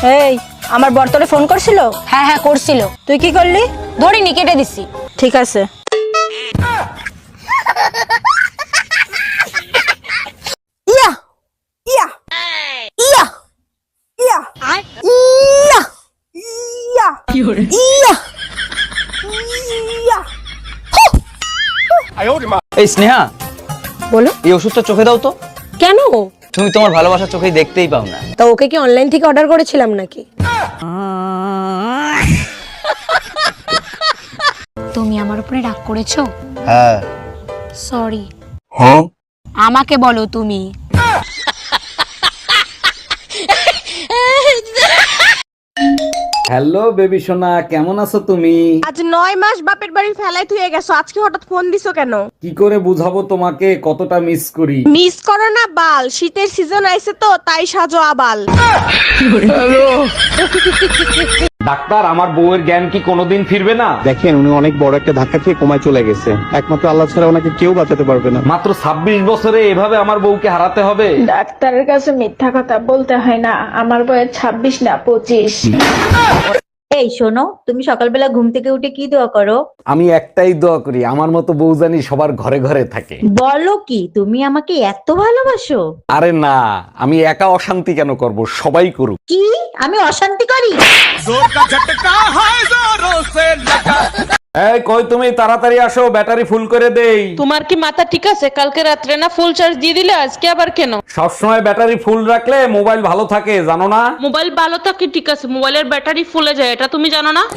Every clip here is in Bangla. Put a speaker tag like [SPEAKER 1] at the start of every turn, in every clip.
[SPEAKER 1] এই আমার বর তোরে ফোন করছিল?
[SPEAKER 2] হ্যাঁ হ্যাঁ করছিল।
[SPEAKER 1] তুই কি করলি?
[SPEAKER 2] ধরিনি, কেটে দিছি।
[SPEAKER 1] ঠিক আছে। ইয়া ইয়া ইয়া ইয়া ইয়া ইয়া ইয়া ইয়া।
[SPEAKER 3] এই স্নেহা,
[SPEAKER 2] বলো।
[SPEAKER 3] এই ওষুধটা চোখে দাও তো।
[SPEAKER 2] কেন?
[SPEAKER 3] তুমি তোমার ভালোবাসা চোখেই দেখতেই পাও না।
[SPEAKER 2] তা ওকে কি অনলাইন থেকে অর্ডার করেছিলাম নাকি? তুমি আমার উপরে রাগ করেছো?
[SPEAKER 3] হ্যাঁ।
[SPEAKER 2] সরি।
[SPEAKER 3] হ্যাঁ?
[SPEAKER 2] আমাকে বলো তুমি।
[SPEAKER 4] হ্যালো বেবি সোনা, কেমন আছো তুমি?
[SPEAKER 1] আজ 9 মাস বাপের বাড়ি ফেলাই তুই গেছো, আজকে হঠাৎ ফোন দিছো কেন?
[SPEAKER 4] কি করে বুঝাবো তোমাকে কতটা মিস করি?
[SPEAKER 1] মিস করো না বাল, শীতের সিজন আইছে তো তাই সাজো আবাল।
[SPEAKER 4] ডাক্তার, আমার বউয়ের জ্ঞান কি কোনোদিন ফিরবে না?
[SPEAKER 5] দেখেন, উনি অনেক বড় একটা ধাক্কা খেয়ে কোমায় চলে গেছে। একমাত্র আল্লাহ ছাড়া ওনাকে কেউ বাঁচাতে পারবে না।
[SPEAKER 4] মাত্র 26 বছরে এভাবে আমার বউকে হারাতে হবে?
[SPEAKER 6] ডাক্তারের কাছে মিথ্যা কথা বলতে হয় না, আমার বয়স 26 না 25।
[SPEAKER 7] এই শোনো, তুমি সকালবেলা ঘুম থেকে উঠে কি দোয়া করো?
[SPEAKER 4] আমি একটাই দোয়া করি, আমার মতো বউ জানি সবার ঘরে ঘরে থাকে।
[SPEAKER 7] বলো কি, তুমি আমাকে এত ভালোবাসো?
[SPEAKER 4] আরে না, আমি একা অশান্তি কেন করব, সবাই করুক।
[SPEAKER 7] কি আমি অশান্তি করি?
[SPEAKER 4] এই কই তুমি, তাড়াতাড়ি আসো, ব্যাটারি ফুল করে দেই।
[SPEAKER 8] তোমার কি মাথা ঠিক আছে? কালকে রাত্রে না ফুল চার্জ দিয়ে দিলে, আজকে আবার কেন?
[SPEAKER 4] সবসময় ব্যাটারি ফুল রাখলে মোবাইল ভালো থাকে, জানো না?
[SPEAKER 8] মোবাইল ভালো থাকে ঠিক আছে, মোবাইলের ব্যাটারি ফুলে যায়, এটা তুমি জানো না?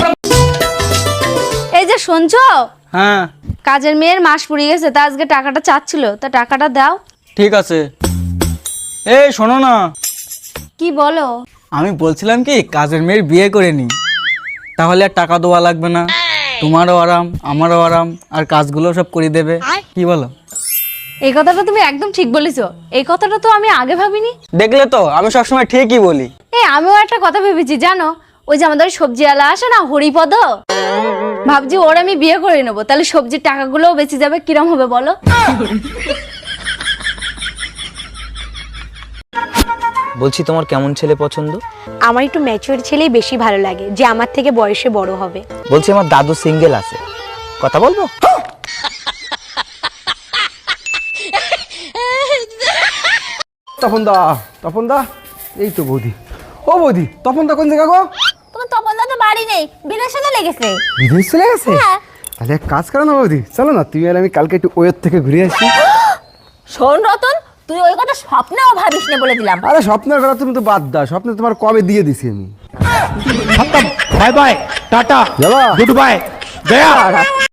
[SPEAKER 9] এই যে শুনছো,
[SPEAKER 3] হ্যাঁ
[SPEAKER 9] কাজের মেয়ের মাস পুড়িয়ে গেছে, তা আজকে টাকাটা চাচ্ছিল, তা টাকাটা দাও।
[SPEAKER 3] ঠিক আছে। এই শোনো না,
[SPEAKER 9] কি বলো?
[SPEAKER 3] আমি বলছিলাম কি, কাজের মেয়ের বিয়ে করে নি, তাহলে আর টাকা দেওয়া লাগবে না, তোমারও আরাম আমারও আরাম, আর কাজগুলো সব করে দেবে। কি বলো?
[SPEAKER 9] এই কথাটা তুমি একদম ঠিক বলেছো, এই কথাটা তো আমি আগে ভাবিনি।
[SPEAKER 3] দেখলে তো, আমি সবসময় ঠিকই বলি।
[SPEAKER 9] এই আমিও একটা কথা ভেবেছি জানো, ওই যে আমাদের সবজিওয়ালা আসে না, হরিপদ, ভাবছি ওর আমি বিয়ে করে নেবো, তাহলে সবজির টাকাগুলোও বেঁচে যাবে। কিরম হবে বলো?
[SPEAKER 3] বলছি, তোমার কেমন ছেলে পছন্দ?
[SPEAKER 2] আমার একটু ম্যাচিওর ছেলেই বেশি ভালো লাগে, যে আমার থেকে বয়সে বড় হবে।
[SPEAKER 3] বলছি, আমার দাদু সিঙ্গেল আছে, কথা বলবো?
[SPEAKER 5] তপন দা, এই তো বৌদি। ও বৌদি, তপন দা কোন জায়গা গো?
[SPEAKER 9] তোমার তপনদা তো বাড়ি নেই, বিদেশে চলে গেছে।
[SPEAKER 5] বিদেশ চলে গেছে? তাহলে এক কাজ করো না বৌদি, চলো না তুমি আর আমি কালকে একটু ওয়ের থেকে ঘুরে আসি।
[SPEAKER 7] শোন রতন, তুই ওই কথা স্বপ্নেও ভাবিস না বলে দিলাম।
[SPEAKER 5] আরে স্বপ্নের কথা তুমি তো বাদ দাও, স্বপ্নে তোমার কবে দিয়ে দিছি আমি।
[SPEAKER 10] বাই বাই, টাটা,
[SPEAKER 5] যাবা?
[SPEAKER 10] Goodbye, Gaya.